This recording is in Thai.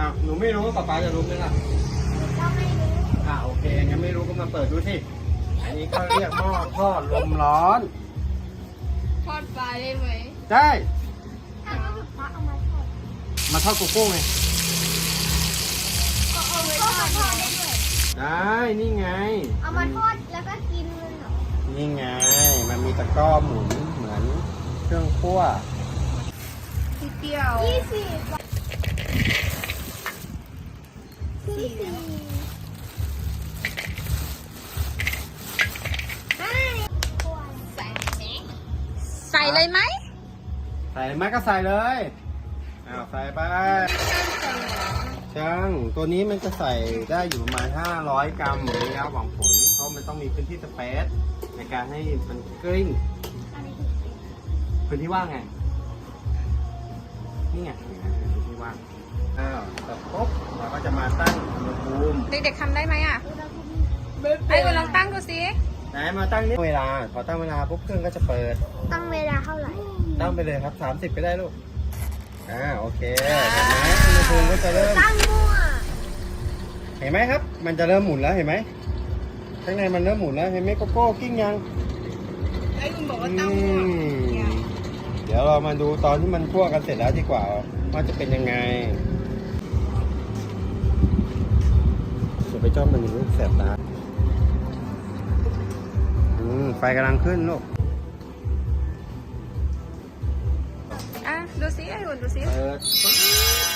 อ้าวหนูไม่รู้ป๊าป๊าจะรู้ไหมล่ะก็ไม่รู้โอเคงั้นไม่รู้ก็มาเปิดดูสิอันนี้เขาเรียกหม้อทอดลมร้อนทอดปลาได้ไหมได้ถ้าเราพระเอามาทอดมาทอดโกโก้ไงเอาไว้ทอดได้ด้วยได้นี่ไงเอามาทอดแล้วก็กินเลยเหรอนี่ไงมันมีตะกร้อหมุนเหมือนเครื่องคั่วนิดเดียว 20 บาทสี่ไม่ใส่เลยไหมใส่ไหมก็ใส่เลยใส่ไปช่างตัวนี้มันจะใส่ได้อยู่ประมาณ500 กรัมระยะหวังผลเพราะมันต้องมีพื้นที่สเปซในการให้มันกลิ้งพื้นที่ว่างไงนี่ไงพื้นที่ว่างเสร็จปุ๊บเราก็จะมาตั้งอุณหภูมิเด็กๆทำได้ไหมอ่ะไอ้คุณลองตั้งดูสิไหนมาตั้งนี่เวลาพอตั้งเวลาปุ๊บเครื่องก็จะเปิดตั้งเวลาเท่าไหร่ตั้งไปเลยครับ30ก็ได้ลูกโอเคเห็นไหมอุณหภูมิก็จะเริ่มตั้งมั่วเห็นไหมครับ มันจะเริ่มหมุนแล้วเห็นไหมข้างในมันเริ่มหมุนแล้วเห็นไหมโกโก้กิ้งยังไอ้คุณบอกว่าอืตั้งมเดี๋ยวเรามาดูตอนที่มันคั่วกันเสร็จแล้วดีกว่าว่าจะเป็นยังไงจะไปจ้องมันลูกแสบตาไฟกำลังขึ้นลูกดูสิไอ้คุณดูสิเปิด